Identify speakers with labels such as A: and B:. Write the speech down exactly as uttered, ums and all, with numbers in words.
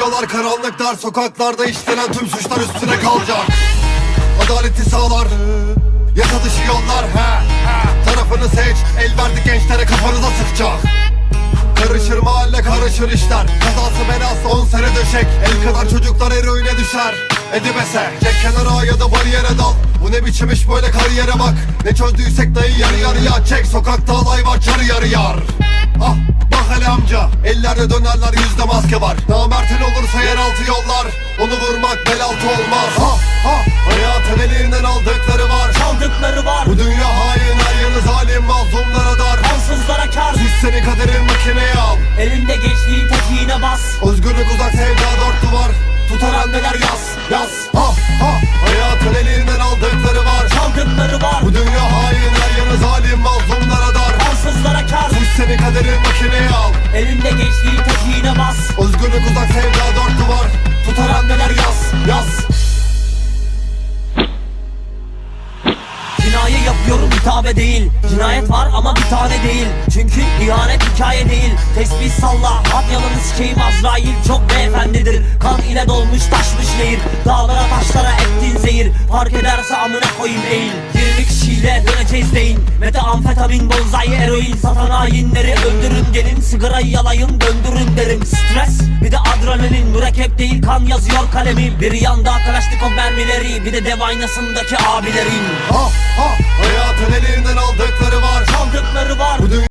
A: Yaşıyorlar karanlıklar, sokaklarda işlenen tüm suçlar üstüne kalacak. Adaleti sağlar, yasa dışı yollar. He, he. Tarafını seç, el verdi gençlere, kafanıza sıkacak. Karışır mahalle, karışır işler. Kazası belası on sene döşek. El kadar çocuklar eroine düşer. Edibese, çek kenara ya da bariyere dal. Bu ne biçim iş böyle, kariyere bak. Ne çözdüysek dayı yarı yarıya çek. Sokakta alay var, çarı yarı yar. Ah, bak hele amca, ellerde dönerler, yüzde maske var. Namertin olursa yeraltı yollar, onu vurmak bel altı olmaz. Ha ha, hayatın elinden aldıkları var,
B: Çaldıkları var.
A: bu dünya hain, her yanı zalim, mazlumlara dar.
B: Ansızlara kar.
A: Süs seni kaderin, makineye al.
B: Elinde gençliğin tekiğine bas.
A: Özgürlük uzak, sevda dört duvar. Tutar anneler yaz, yaz. Ha ha, hayatın elinden aldıkları var,
B: Çaldıkları var.
A: bu dünya hain, her yanı zalim, mazlumlara dar.
B: Ansızlara kar.
A: Süs seni kaderin, makineye al.
B: Elinde gençliğin tekiğine bas.
A: Özgürlük uzak, sevda dört duvar. Tutar anneler yaz, yaz.
B: Cinayet yapıyorum, hitabe değil. Cinayet var ama bir tane değil. Çünkü ihanet hikaye değil. Tesbih salla, at yalanı sikeyim Azrail çok beyefendidir. Kan ile dolmuş taşmış nehir. Dağlara taşlara ettiğin zehir. Fark ederse amına koyayım eğil. yirmi kişiyle döneceğiz deyin. Metamfetamin, bonzai, eroin satan hainleri öldürün gelin. Sigarayı yalayın, döndürün derim. Stres bir de adrenalin, mürekkep değil kan yazıyor kalemim. Bir yanda Kalaşnikov mermileri, bir de dev aynasındaki abilerin.
A: Ha ha, hayatın elinden aldıkları var,
B: Çaldıkları var.
A: bu dünya